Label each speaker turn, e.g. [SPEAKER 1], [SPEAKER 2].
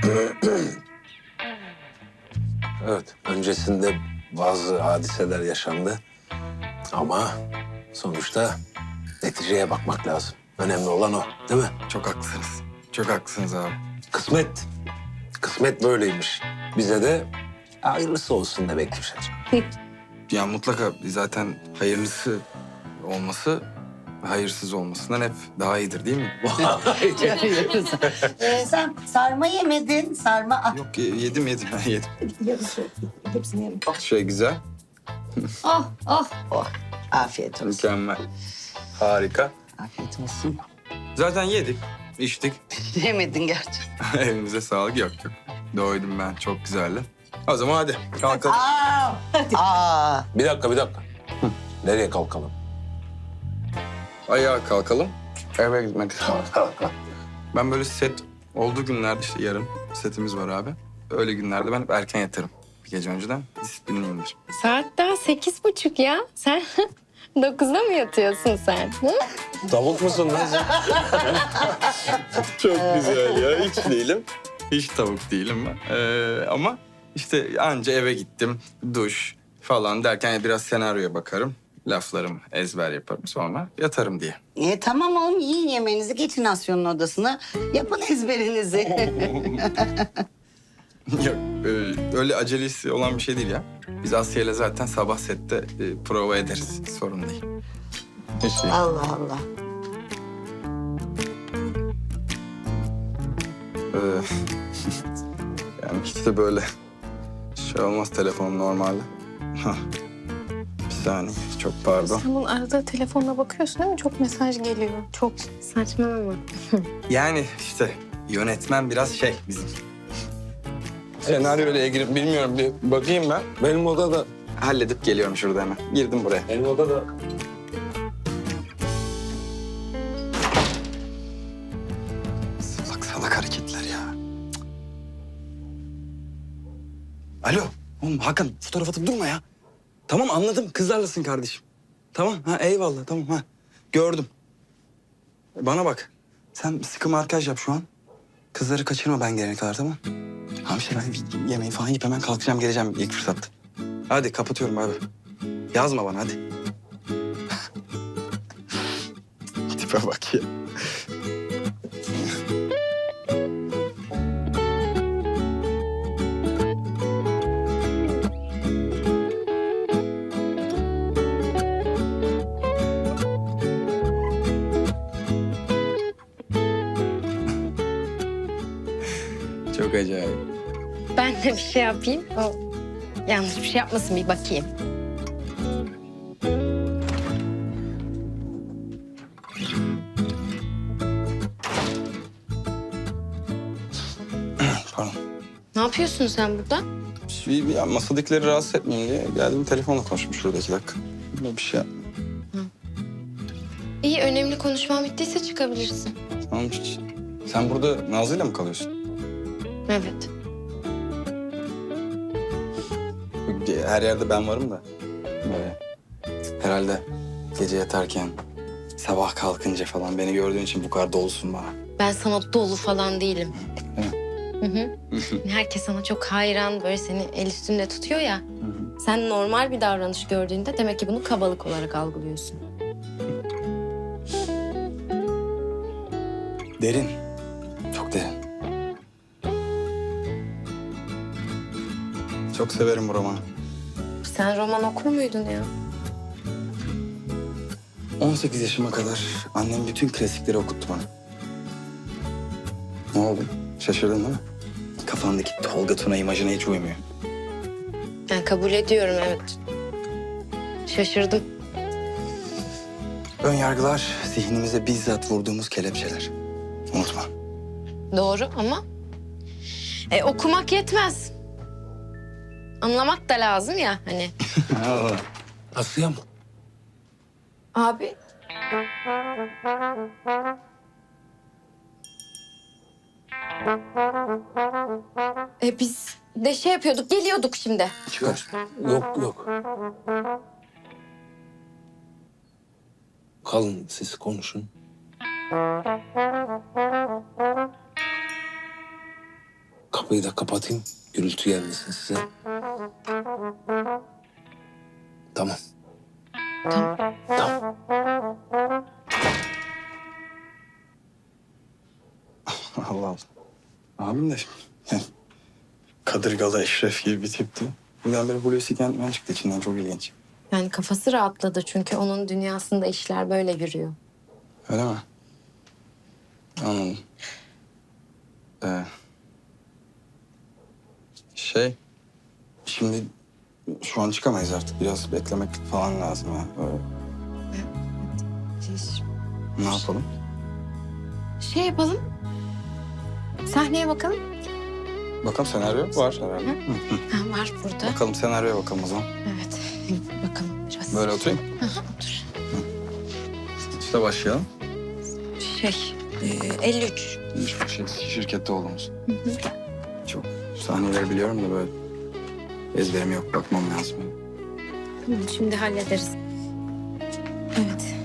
[SPEAKER 1] Evet, öncesinde bazı hadiseler yaşandı. Ama sonuçta neticeye bakmak lazım. Önemli olan o, değil mi?
[SPEAKER 2] Çok haklısınız. Çok haklısınız abi.
[SPEAKER 1] Kısmet. Kısmet böyleymiş. Bize de hayırlısı olsun demek düşer.
[SPEAKER 2] Ya mutlaka zaten hayırlısı olması hayırsız olmasından hep daha iyidir değil mi?
[SPEAKER 3] Sen sarma yemedin. Sarma. Ah,
[SPEAKER 2] Yok yedim yedim
[SPEAKER 3] yarısı. Hepsini yedim.
[SPEAKER 2] Şey güzel,
[SPEAKER 3] Oh, oh, oh. Afiyet olsun.
[SPEAKER 2] mükemmel, harika.
[SPEAKER 3] Afiyet olsun.
[SPEAKER 2] Zaten yedik, içtik.
[SPEAKER 3] Yemedin gerçi.
[SPEAKER 2] Elinize sağlık. Yok. Doydum ben, çok güzeldi. O zaman hadi kalkalım.
[SPEAKER 3] Aa.
[SPEAKER 1] Bir dakika. Nereye kalkalım?
[SPEAKER 2] Ayağa kalkalım. Eve gitmek istiyorum. Ben böyle set olduğu günlerde işte yarın setimiz var abi. Öyle günlerde ben hep erken yatarım. Bir gece önceden disiplinliyimdir.
[SPEAKER 4] Saat daha 8:30 ya. Sen 9'da mı yatıyorsun sen? Hı?
[SPEAKER 1] Tavuk musun lan sen?
[SPEAKER 2] Çok güzel ya. Hiç değilim. Hiç tavuk değilim ben. Ama işte anca eve gittim. Duş falan derken biraz senaryoya bakarım. Laflarımı ezber yaparım sonra yatarım diye.
[SPEAKER 3] Tamam oğlum, yiyin yemeğinizi. Geçin Asya'nın odasına. Yapın ezberinizi.
[SPEAKER 2] Yok öyle acelesi olan bir şey değil ya. Biz Asya'yla zaten sabah sette prova ederiz. Sorun değil. Hiç değil.
[SPEAKER 3] Allah Allah.
[SPEAKER 2] Ee, yani hiç de böyle şey olmaz telefonum normalde. Hah. Bir saniye çok pardon.
[SPEAKER 4] Sen bunun arada telefonuna bakıyorsun değil mi? Çok mesaj geliyor. Çok saçmalama.
[SPEAKER 2] Yani işte yönetmen biraz şey bizim. Senaryoyla ilgili bilmiyorum bir bakayım ben.
[SPEAKER 1] Benim odada.
[SPEAKER 2] Halledip geliyorum şurada hemen. Girdim buraya.
[SPEAKER 1] Benim odada.
[SPEAKER 2] Salak salak hareketler ya. Cık. Alo. Oğlum Hakan fotoğraf atıp durma ya. Tamam anladım kızlarlasın kardeşim. Tamam ha eyvallah tamam ha. Gördüm. Bana bak. Sen sıkı markaj yap şu an. Kızları kaçırma ben gelene kadar tamam. Hamşe ben bir yemeği falan yiyip hemen kalkacağım geleceğim ilk fırsatta. Hadi kapatıyorum abi. Yazma bana hadi. Tipe bak ya. Çok acayip.
[SPEAKER 4] Ben de bir şey yapayım. O yanlış bir şey yapmasın bir bakayım.
[SPEAKER 2] Pardon.
[SPEAKER 4] Ne yapıyorsun sen burada?
[SPEAKER 2] Ya masadakileri rahatsız etmeyeyim diye geldim telefonla konuşmuş şurada 2 dakika. Bir şey yapma.
[SPEAKER 4] İyi, önemli konuşmam bittiyse çıkabilirsin.
[SPEAKER 2] Tamam hiç. Sen burada Nazlı'yla mı kalıyorsun?
[SPEAKER 4] Evet.
[SPEAKER 2] Her yerde ben varım da. Böyle. Herhalde gece yatarken, sabah kalkınca falan beni gördüğün için bu kadar dolusun bana.
[SPEAKER 4] Ben sana dolu falan değilim.
[SPEAKER 2] Değil
[SPEAKER 4] Hı hı. Herkes sana çok hayran, böyle seni el üstünde tutuyor ya. Sen normal bir davranış gördüğünde demek ki bunu kabalık olarak algılıyorsun.
[SPEAKER 2] Derin. Çok derin. Çok severim bu romanı.
[SPEAKER 4] Sen roman okur muydun ya?
[SPEAKER 2] 18 yaşıma kadar annem bütün klasikleri okuttu bana. Ne oldu? Şaşırdın değil mi? Kafandaki Tolga Tuna imajına hiç uymuyor.
[SPEAKER 4] Ben kabul ediyorum, evet. Şaşırdım.
[SPEAKER 2] Ön yargılar zihnimize bizzat vurduğumuz kelepçeler. Unutma.
[SPEAKER 4] Doğru ama okumak yetmez. Anlamak da lazım ya hani.
[SPEAKER 1] Asya mı?
[SPEAKER 4] Abi. Biz de şey yapıyorduk, geliyorduk şimdi.
[SPEAKER 2] Çıkar.
[SPEAKER 1] Yok. Kalın siz konuşun. kapıyı da kapatayım. Gürültü gelmesin size. Tamam.
[SPEAKER 4] Tamam.
[SPEAKER 1] Tamam.
[SPEAKER 2] Allah Allah. Abim de yani kadırgalı Eşref gibi bir tipti. Birdenbire Hulusi Kentmen çıktı içinden, çok ilginç.
[SPEAKER 4] Yani kafası rahatladı çünkü onun dünyasında işler böyle yürüyor.
[SPEAKER 2] Öyle mi? Anladım. Şimdi şu an çıkamayız artık. Biraz beklemek falan lazım ha. Öyle. Ne yapalım?
[SPEAKER 4] Şey yapalım. Sahneye bakalım.
[SPEAKER 2] Bakalım, senaryo var herhalde.
[SPEAKER 4] Ha, var burada.
[SPEAKER 2] Bakalım senaryoya bakalım o zaman.
[SPEAKER 4] Evet. Bakalım biraz.
[SPEAKER 2] Böyle oturayım.
[SPEAKER 4] Aha, otur.
[SPEAKER 2] İşte başlayalım.
[SPEAKER 4] 53.
[SPEAKER 2] Şirkette olduğumuz. Çok sahneleri biliyorum da böyle ezberim yok. Bakmam lazım.
[SPEAKER 4] Tamam, şimdi hallederiz. Evet.